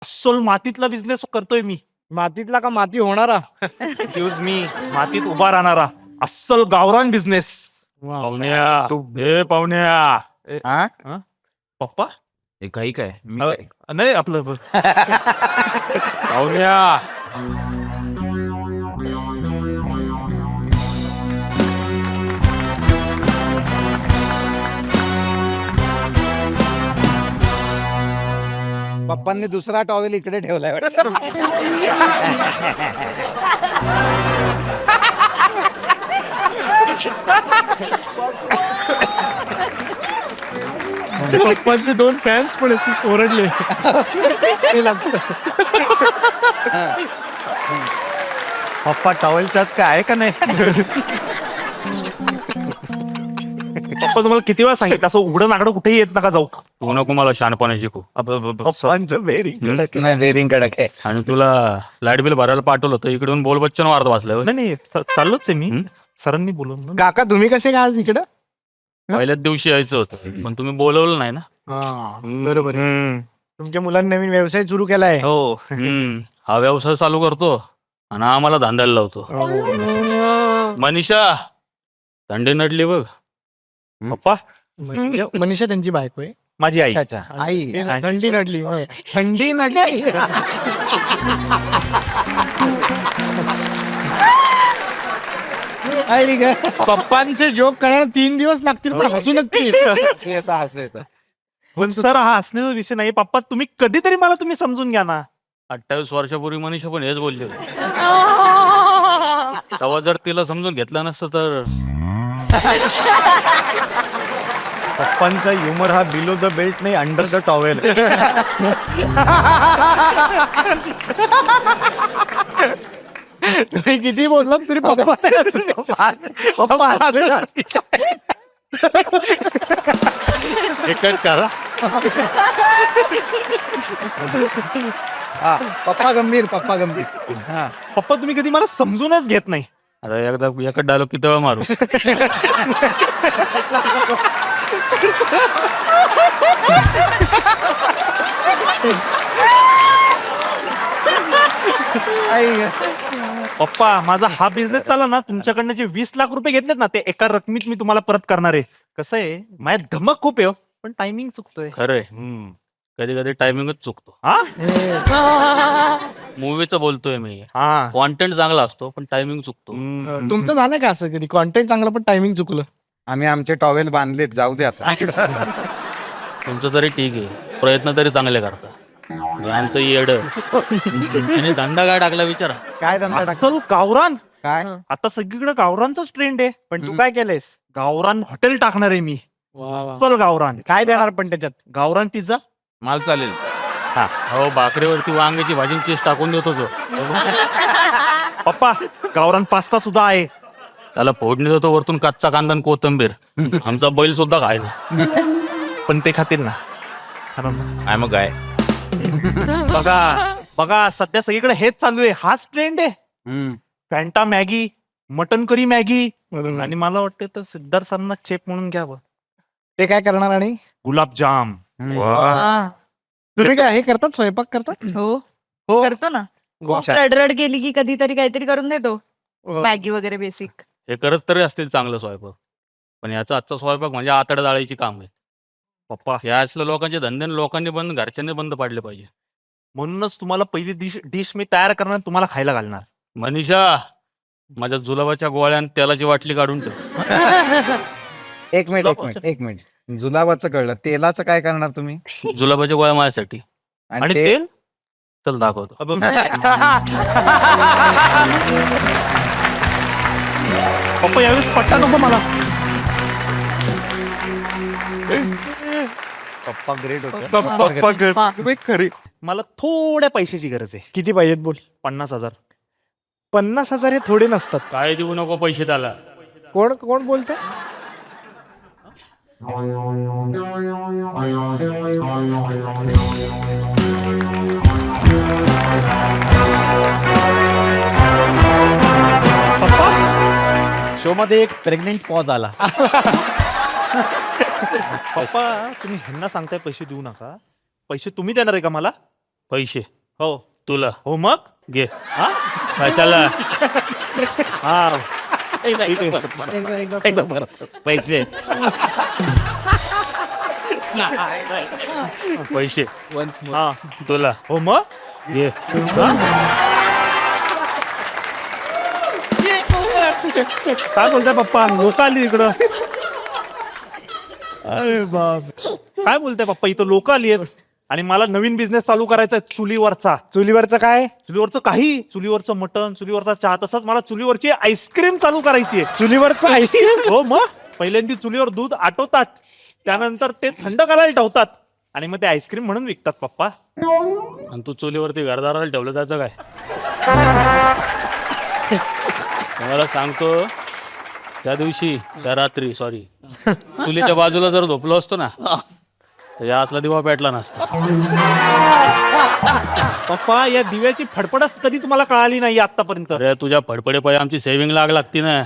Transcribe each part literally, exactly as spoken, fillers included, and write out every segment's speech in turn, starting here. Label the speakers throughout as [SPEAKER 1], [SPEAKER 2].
[SPEAKER 1] अस्सल मातीतला बिझनेस करतोय मी.
[SPEAKER 2] मातीतला का माती होणारा?
[SPEAKER 1] एक्सक्यूज मी, मातीत उभा राहणारा अस्सल गावरान बिझनेस.
[SPEAKER 3] पाहुण्या तू हे पाहुण्या
[SPEAKER 1] हा? पप्पा
[SPEAKER 3] हे काही काय मी
[SPEAKER 1] अ,
[SPEAKER 3] काय?
[SPEAKER 1] नाही आपलं
[SPEAKER 3] पाहुण्या
[SPEAKER 2] पप्पांनी दुसरा टॉवेल इकडे ठेवलाय वाटतं.
[SPEAKER 4] पप्पांचे दोन फॅन्स पण आहेत, ओरडले. ते लागतं.
[SPEAKER 2] पप्पा टॉवेलच्यात काय आहे का नाही?
[SPEAKER 1] पप्पा तुम्हाला किती वेळा सांगितलं असं उघडं नागडं कुठेही येत नका जाऊ.
[SPEAKER 3] तू नको मला शहाणपणा शिकू.
[SPEAKER 2] पप्पांचं बेरिंग कडक नाही, बेरिंग कडक आहे.
[SPEAKER 3] आणि तुला लाईट बिल भरायला पाठवलं होतं इकडून बोल बच्चन वार्त वाचलं
[SPEAKER 1] नाही नाही च- चाललोच आहे मी. सरांनी बोलवलं.
[SPEAKER 4] काका तुम्ही कसे काय आज इकडं?
[SPEAKER 3] पहिल्याच दिवशी यायचं होतं पण तुम्ही बोलवलं नाही ना.
[SPEAKER 4] हा बरोबर आहे. तुमच्या मुलांनी नवीन व्यवसाय सुरू केलाय.
[SPEAKER 1] हो
[SPEAKER 3] हम्म. हा व्यवसाय चालू करतो आणि आम्हाला धांदायला लावतो. मनीषा थंडी नडली बघ.
[SPEAKER 1] पप्पा
[SPEAKER 4] म्हणजे मनीषा त्यांची बायको आहे.
[SPEAKER 1] माझी आई.
[SPEAKER 2] अच्छा अच्छा. आई
[SPEAKER 4] थंडी नडली होय.
[SPEAKER 2] थंडी नडली. आई ग.
[SPEAKER 4] पप्पांचे जोक करायला तीन दिवस लागतील पण हसू नक्की.
[SPEAKER 2] हसू येतं, हसू येतं.
[SPEAKER 1] पण सर हा हसण्याचा विषय नाही. पप्पा तुम्ही कधीतरी मला तुम्ही समजून घ्या ना.
[SPEAKER 3] अठ्ठावीस वर्षापूर्वी मनीषा पण हेच बोलली होती. तेव्हा जर तिला समजून घेतलं नसतं तर
[SPEAKER 2] पप्पांचा ह्युमर हा बिलो द बेल्ट नाही, अंडर द टॉवेल.
[SPEAKER 4] तुम्ही किती बोललात तरी पप्पा नाही हसले. पप्पा हसले.
[SPEAKER 2] कट करा. हा पप्पा गंभीर, पप्पा गंभीर. हा
[SPEAKER 1] पप्पा तुम्ही कधी मला समजूनच घेत नाही.
[SPEAKER 3] आता एकदा एकच डायलॉग किती वेळा मारू.
[SPEAKER 2] आई ग.
[SPEAKER 1] पप्पा माझा हा बिझनेस चालला ना, तुमच्याकडनं जे वीस लाख रुपये घेतलेत ना ते एका रकमीत मी तुम्हाला परत करणार आहे. कसं आहे माझ्यात धमक खूप आहे हो, पण टायमिंग चुकतोय.
[SPEAKER 3] खरंय कधी कधी टायमिंगच चुकतो.
[SPEAKER 1] हा
[SPEAKER 3] मूवीचं बोलतोय मी.
[SPEAKER 1] हा
[SPEAKER 3] कॉन्टेंट चांगला असतो पण टायमिंग चुकतो.
[SPEAKER 4] तुमचं झालं का असं कधी कॉन्टेंट चांगलं पण टायमिंग चुकलं?
[SPEAKER 2] आम्ही आमचे टॉवेल बांधलेत, जाऊ दे आता.
[SPEAKER 3] तुमचं तरी ठीक आहे, प्रयत्न तरी चांगले करता. आमचं येड आणि धंदा काय टाकला विचारा.
[SPEAKER 2] काय धंदा टाक-
[SPEAKER 1] अस्सल गावरान.
[SPEAKER 2] काय
[SPEAKER 1] आता सगळीकडे गावरानचाच ट्रेंड आहे.
[SPEAKER 2] पण तू काय केलंयस?
[SPEAKER 1] गावरान हॉटेल टाकणार आहे मी. अस्सल गावरान.
[SPEAKER 4] काय देणार पण त्याच्यात?
[SPEAKER 1] गावरान पिझ्झा.
[SPEAKER 3] माल चालेल. हो भाकरीवरती वांग्याची भाजी चीज टाकून देतो तो.
[SPEAKER 1] पप्पा गावरान पास्ता सुद्धा आहे.
[SPEAKER 3] त्याला फोडणी देतो वरतून कच्चा कांदा आणि कोथिंबीर. आमचा बैल सुद्धा खायला.
[SPEAKER 1] पण ते खातील ना. कारण ना.
[SPEAKER 3] काय मग काय
[SPEAKER 1] बघा बघा सध्या सगळीकडे हेच चालू आहे. हाच ट्रेंड आहे.
[SPEAKER 2] हम्म.
[SPEAKER 1] Fanta Maggi, mutton curry Maggi. आणि मला वाटतं तर सिद्धार्थ सरांना चेप म्हणून घ्यावं.
[SPEAKER 4] ते काय करणार? आणि
[SPEAKER 1] गुलाबजाम.
[SPEAKER 5] हा.
[SPEAKER 4] तुम्ही काय हे करतात, स्वयंपाक करतात?
[SPEAKER 5] हो
[SPEAKER 4] हो.
[SPEAKER 5] करतो ना. खूप रडरड गेली की कधीतरी काहीतरी करून देतो. मॅगी वगैरे बेसिक.
[SPEAKER 3] हे करत तरी असतील चांगलं स्वयंपाक, पण याचा आजचा स्वयंपाक म्हणजे आतड्या जाळायची काम आहे.
[SPEAKER 1] पप्पा
[SPEAKER 3] या असल्या लोकांचे धंदे न लोकांनी बंद, घरच्यांनी बंद पाडले पाहिजे.
[SPEAKER 1] म्हणूनच तुम्हाला पहिली डिश डिश मी तयार करणार, तुम्हाला खायला घालणार.
[SPEAKER 3] मनीषा माझ्या जुलाबाच्या गोळ्या आणि तेलाची वाटली काढून ठेव.
[SPEAKER 2] एक मिनिट एक मिनिट एक मिनिट जुलाबाचं कळलं, तेलाचं काय करणार तुम्ही?
[SPEAKER 3] जुलाबाच्या गोळ्या माझ्यासाठी.
[SPEAKER 1] आणि
[SPEAKER 2] ते-
[SPEAKER 1] तेल
[SPEAKER 3] चल दाखवतो.
[SPEAKER 1] पप्पा यावेळेस पट्टा नको मला.
[SPEAKER 2] पप्पा ग्रेट होते.
[SPEAKER 1] पप्पा खरी. मला थोड्या पैशाची गरज आहे.
[SPEAKER 4] किती पाहिजेत बोल?
[SPEAKER 1] पन्नास हजार.
[SPEAKER 4] पन्नास हजार हे थोडे नसतात.
[SPEAKER 3] काय देऊ नको पैसे त्याला.
[SPEAKER 4] कोण कोण बोलतोय?
[SPEAKER 2] शो मध्ये एक प्रेग्नेंट पॉज आला.
[SPEAKER 1] पप्पा तुम्ही ह्यांना सांगताय पैसे देऊ नका. पैसे तुम्ही देणार आहे का मला?
[SPEAKER 3] पैसे
[SPEAKER 1] हो
[SPEAKER 3] तुला
[SPEAKER 1] हो मग
[SPEAKER 3] घे
[SPEAKER 1] हा
[SPEAKER 3] कशाला
[SPEAKER 1] हा
[SPEAKER 4] एकदा एकदा एकदा परत. पैसे
[SPEAKER 3] पैसे
[SPEAKER 1] हा
[SPEAKER 3] तुला
[SPEAKER 1] हो मग
[SPEAKER 3] घे
[SPEAKER 1] काय बोलताय पप्पा लोक आली इकडं अरे बाप काय बोलताय पप्पा इथं लोक आली आहेत आणि मला नवीन बिझनेस चालू करायचा आहे चुलीवरचा
[SPEAKER 4] चुलीवरचं काय
[SPEAKER 1] चुलीवरचं काही चुलीवरचं मटण चुलीवरचा चहा तसंच मला चुलीवरची आईस्क्रीम चालू करायची आहे
[SPEAKER 4] चुलीवरचं आईस्क्रीम
[SPEAKER 1] हो मग पहिल्यांदा चुलीवर दूध आटवतात त्यानंतर ते थंड करायला ठेवतात आणि मग ते आईस्क्रीम म्हणून विकतात पप्पा
[SPEAKER 3] आणि तू चुलीवरती घरदाराला ठेवलं जायचं काय तुम्हाला सांगतो त्या दिवशी त्या रात्री सॉरी चुलीच्या बाजूला जर झोपलो असतो ना तर या असला दिवा पेटला नसता
[SPEAKER 1] पप्पा या दिव्याची फडफडच कधी तुम्हाला कळाली नाही आतापर्यंत
[SPEAKER 3] अरे तुझ्या फडफडे पाय आमची सेव्हिंग लाग लागती ना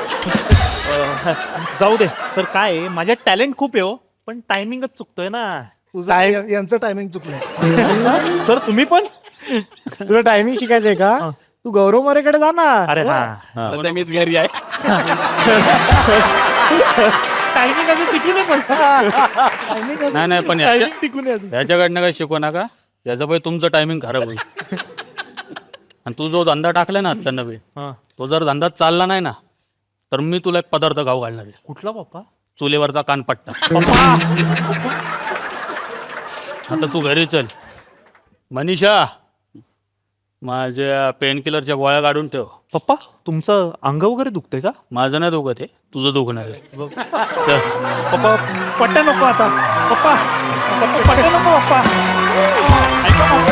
[SPEAKER 1] जाऊ दे सर काय आहे, माझ्यात टॅलेंट खूप आहे हो पण टायमिंगच चुकतोय ना
[SPEAKER 4] तुझं यांचं टायमिंग चुकलं
[SPEAKER 1] सर तुम्ही पण
[SPEAKER 4] तुला टायमिंग शिकायचंय का तू गौरव मोरेकडे जा ना
[SPEAKER 1] अरे हा
[SPEAKER 3] मीच घरी आहे
[SPEAKER 1] टायमिंग अजून टिकू नाही पण
[SPEAKER 3] नाही नाही पण
[SPEAKER 1] टायमिंग
[SPEAKER 3] याच्या-
[SPEAKER 1] टिकू नये
[SPEAKER 3] याच्याकडनं काही शिकू नका याचं पाय तुमचं टायमिंग खराब होईल आणि तू जो धंदा टाकलाय ना आता नवीन
[SPEAKER 1] हा.
[SPEAKER 3] तो जर धंदा चालला नाही ना तर मी तुला एक पदार्थ गाव घालणार आहे
[SPEAKER 1] कुठला पप्पा
[SPEAKER 3] चुलीवरचा कानपट्टा
[SPEAKER 1] पप्पा
[SPEAKER 3] आता तू घरी चल मनीषा माझ्या पेन किलरच्या गोळ्या काढून ठेव
[SPEAKER 1] पप्पा तुमचं अंग वगैरे दुखतंय का
[SPEAKER 3] माझं नाही दुखत आहे तुझं दुखणार आहे चल.
[SPEAKER 1] पप्पा पट्ट्या नको आता पप्पा पप्पा पट्ट्या नको पप्पा ऐका पप्पा